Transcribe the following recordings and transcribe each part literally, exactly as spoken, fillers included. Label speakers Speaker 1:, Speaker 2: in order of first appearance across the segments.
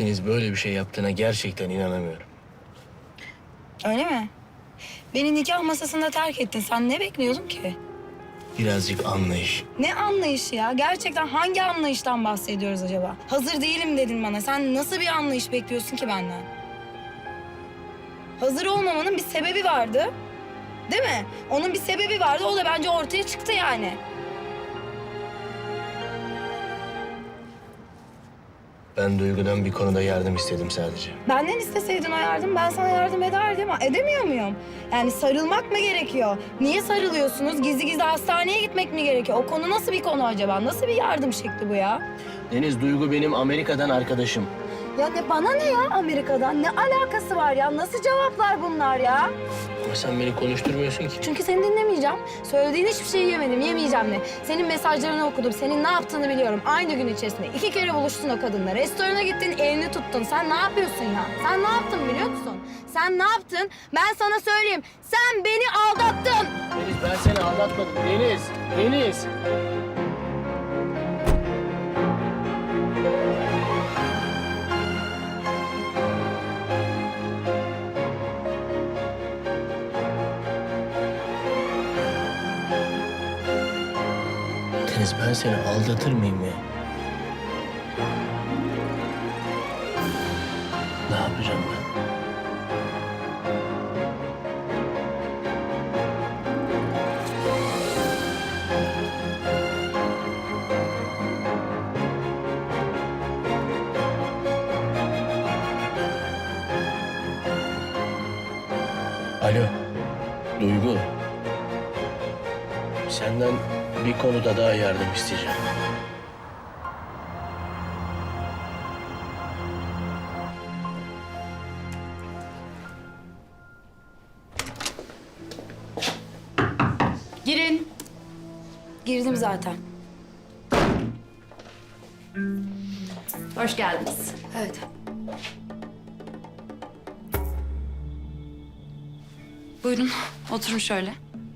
Speaker 1: Deniz böyle bir şey yaptığına gerçekten inanamıyorum.
Speaker 2: Öyle mi? Beni nikah masasında terk ettin. Sen ne bekliyordun ki?
Speaker 1: Birazcık anlayış.
Speaker 2: Ne anlayışı ya? Gerçekten hangi anlayıştan bahsediyoruz acaba? Hazır değilim dedin bana. Sen nasıl bir anlayış bekliyorsun ki benden? Hazır olmamanın bir sebebi vardı. Değil mi? Onun bir sebebi vardı. O da bence ortaya çıktı yani.
Speaker 1: Ben Duygu'dan bir konuda yardım istedim sadece.
Speaker 2: Benden isteseydin o yardım, ben sana yardım ederdim ama edemiyor muyum? Yani sarılmak mı gerekiyor? Niye sarılıyorsunuz? Gizli gizli hastaneye gitmek mi gerekiyor? O konu nasıl bir konu acaba? Nasıl bir yardım şekli bu ya?
Speaker 1: Deniz, Duygu benim Amerika'dan arkadaşım.
Speaker 2: Ya ne bana ne ya Amerika'dan? Ne alakası var ya? Nasıl cevaplar bunlar ya?
Speaker 1: Ama sen beni konuşturmuyorsun ki.
Speaker 2: Çünkü seni dinlemeyeceğim. Söylediğin hiçbir şeyi yemedim, yemeyeceğim de. Senin mesajlarını okudum, senin ne yaptığını biliyorum. Aynı gün içerisinde iki kere buluştun o kadınla. Restorana gittin, elini tuttun. Sen ne yapıyorsun ya? Sen ne yaptın biliyor musun? Sen ne yaptın? Ben sana söyleyeyim. Sen beni aldattın.
Speaker 1: Deniz, ben seni aldatmadım. Deniz, Deniz. Deniz, ben seni aldatır mıyım ya? Ne yapacağım ben? Alo, Duygu. Senden bir konuda daha yardım isteyeceğim.
Speaker 3: Girin.
Speaker 2: Girdim zaten.
Speaker 3: Hoş geldiniz.
Speaker 2: Evet.
Speaker 3: Buyurun, oturun şöyle.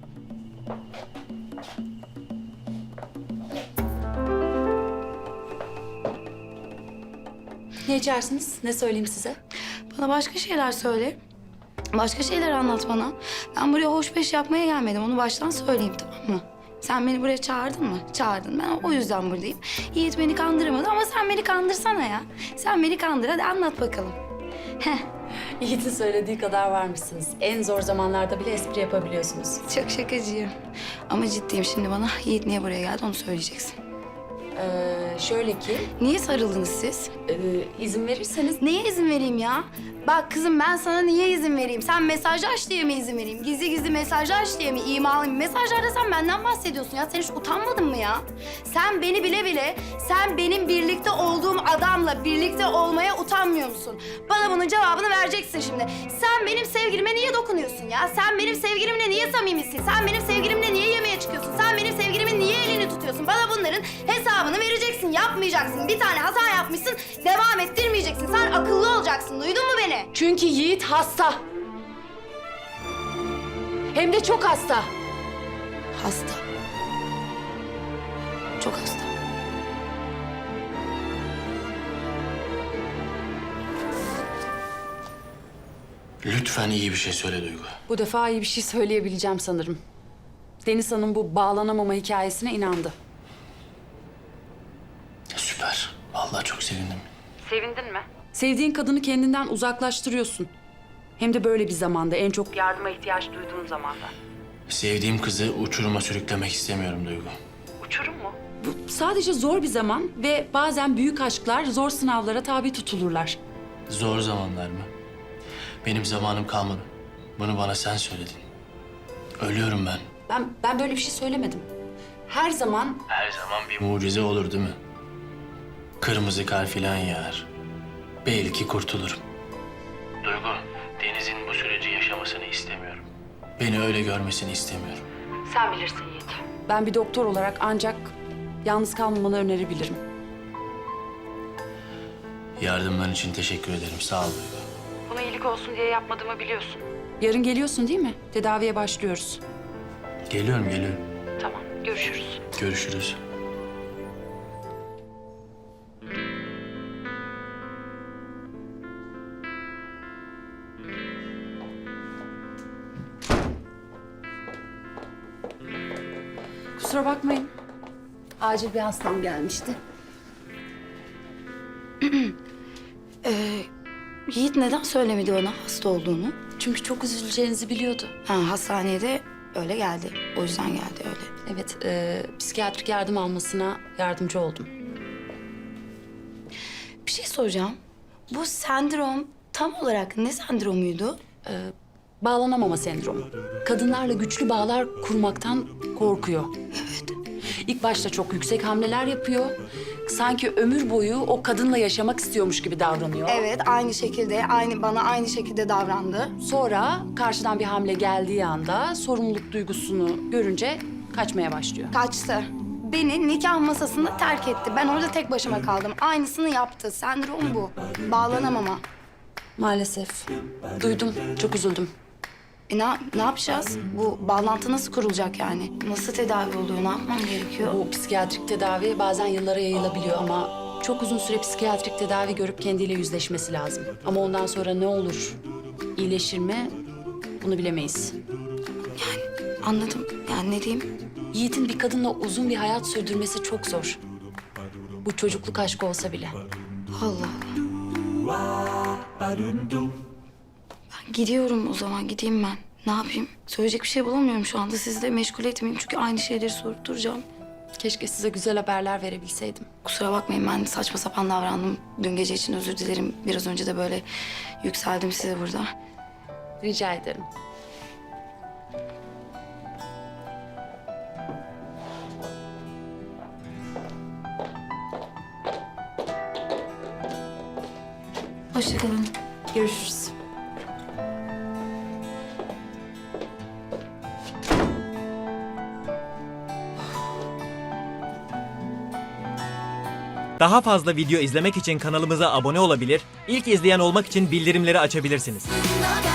Speaker 3: Ne içersiniz? Ne söyleyeyim size?
Speaker 2: Bana başka şeyler söyle. Başka şeyler anlat bana. Ben buraya hoş beş yapmaya gelmedim. Onu baştan söyleyeyim, tamam mı? Sen beni buraya çağırdın mı? Çağırdın. Ben o yüzden buradayım. Yiğit beni kandıramadı ama sen beni kandırsana ya. Sen beni kandır. Hadi anlat bakalım. Heh.
Speaker 3: Yiğit'in söylediği kadar varmışsınız. En zor zamanlarda bile espri yapabiliyorsunuz.
Speaker 2: Çok şakacıyım. Ama ciddiyim, şimdi bana Yiğit niye buraya geldi onu söyleyeceksin.
Speaker 3: Ee, şöyle ki,
Speaker 2: Niye sarıldınız siz?
Speaker 3: e, izin verirseniz...
Speaker 2: Neye izin vereyim ya? Bak kızım, ben sana niye izin vereyim? Sen mesajı aç diye mi izin vereyim? Gizli gizli mesajı aç diye mi imalayayım? Mesajlarda sen benden bahsediyorsun ya. Sen hiç utanmadın mı ya? Sen beni bile bile, sen benim birlikte olduğum adamla birlikte olmaya utanmıyor musun? Bana bunun cevabını vereceksin şimdi. Sen benim sevgilime niye dokunuyorsun ya? Sen benim sevgilimle niye samimisin? Sen benim sevgilimle niye yemeğe çıkıyorsun? Sen benim sevgilimin niye elini tutuyorsun? Bana bunların hesabını vereceksin, yapmayacaksın. Bir tane hata yapmışsın, devam ettirmeyeceksin. Sen akıllı olacaksın, duydun mu beni?
Speaker 3: Çünkü Yiğit hasta. Hem de çok hasta.
Speaker 2: Hasta. Çok hasta.
Speaker 1: Lütfen iyi bir şey söyle Duygu.
Speaker 3: Bu defa iyi bir şey söyleyebileceğim sanırım. Deniz Hanım bu bağlanamama hikayesine inandı.
Speaker 1: Süper. Vallahi çok sevindim.
Speaker 3: Sevindin mi? Sevdiğin kadını kendinden uzaklaştırıyorsun. Hem de böyle bir zamanda, en çok yardıma ihtiyaç duyduğun zamanda.
Speaker 1: Sevdiğim kızı uçuruma sürüklemek istemiyorum Duygu.
Speaker 3: Uçurum mu? Bu sadece zor bir zaman ve bazen büyük aşklar zor sınavlara tabi tutulurlar.
Speaker 1: Zor zamanlar mı? Benim zamanım kalmadı. Bunu bana sen söyledin. Ölüyorum ben.
Speaker 3: Ben ben böyle bir şey söylemedim. Her zaman
Speaker 1: Her zaman bir mucize olur değil mi? Kırmızı kar filan yağar. Belki kurtulurum. Duygu, Deniz'in bu süreci yaşamasını istemiyorum. Beni öyle görmesini istemiyorum.
Speaker 3: sen bilirsin Yiğit. Ben bir doktor olarak ancak yalnız kalmamanı önerebilirim.
Speaker 1: Yardımların için teşekkür ederim. Sağ ol Duygu.
Speaker 3: Buna iyilik olsun diye yapmadığımı biliyorsun. Yarın geliyorsun değil mi? Tedaviye başlıyoruz.
Speaker 1: Geliyorum, geliyorum.
Speaker 3: Tamam, görüşürüz.
Speaker 1: Görüşürüz.
Speaker 3: Kusura bakmayın. Acil bir hastam gelmişti.
Speaker 2: Yiğit neden söylemedi bana hasta olduğunu?
Speaker 3: Çünkü çok üzüleceğinizi biliyordu.
Speaker 2: Ha, hastanede öyle geldi. O yüzden geldi öyle.
Speaker 3: Evet, e, psikiyatrik yardım almasına yardımcı oldum.
Speaker 2: Bir şey soracağım. Bu sendrom tam olarak ne sendromuydu?
Speaker 3: Bağlanamama sendromu. Kadınlarla güçlü bağlar kurmaktan korkuyor. Evet. İlk başta çok yüksek hamleler yapıyor. Sanki ömür boyu o kadınla yaşamak istiyormuş gibi davranıyor.
Speaker 2: Evet, aynı şekilde, aynı bana aynı şekilde davrandı.
Speaker 3: Sonra karşıdan bir hamle geldiği anda sorumluluk duygusunu görünce kaçmaya başlıyor.
Speaker 2: Kaçtı. Beni nikah masasında terk etti. Ben orada tek başıma kaldım. Aynısını yaptı. Sendrom bu. Bağlanamama.
Speaker 3: Maalesef. Duydum, çok üzüldüm.
Speaker 2: E ne, ne yapacağız? Bu bağlantı nasıl kurulacak yani? Nasıl tedavi oluyor? Ne yapmam gerekiyor?
Speaker 3: Bu psikiyatrik tedavi bazen yıllara yayılabiliyor ama çok uzun süre psikiyatrik tedavi görüp kendiyle yüzleşmesi lazım. Ama ondan sonra ne olur, iyileşir mi bunu bilemeyiz.
Speaker 2: Anladım. Yani ne diyeyim?
Speaker 3: Yiğit'in bir kadınla uzun bir hayat sürdürmesi çok zor. Bu çocukluk aşkı olsa bile.
Speaker 2: Allah Allah. Ben gidiyorum o zaman. Gideyim ben. Ne yapayım? Söyleyecek bir şey bulamıyorum şu anda. Sizi de meşgul etmeyeyim çünkü aynı şeyleri sorup duracağım.
Speaker 3: Keşke size güzel haberler verebilseydim.
Speaker 2: Kusura bakmayın, ben saçma sapan davrandım. Dün gece için özür dilerim. Biraz önce de böyle yükseldim size burada.
Speaker 3: Rica ederim.
Speaker 2: Hoşça kalın.
Speaker 3: Görüşürüz.
Speaker 4: Daha fazla video izlemek için kanalımıza abone olabilir, ilk izleyen olmak için bildirimleri açabilirsiniz.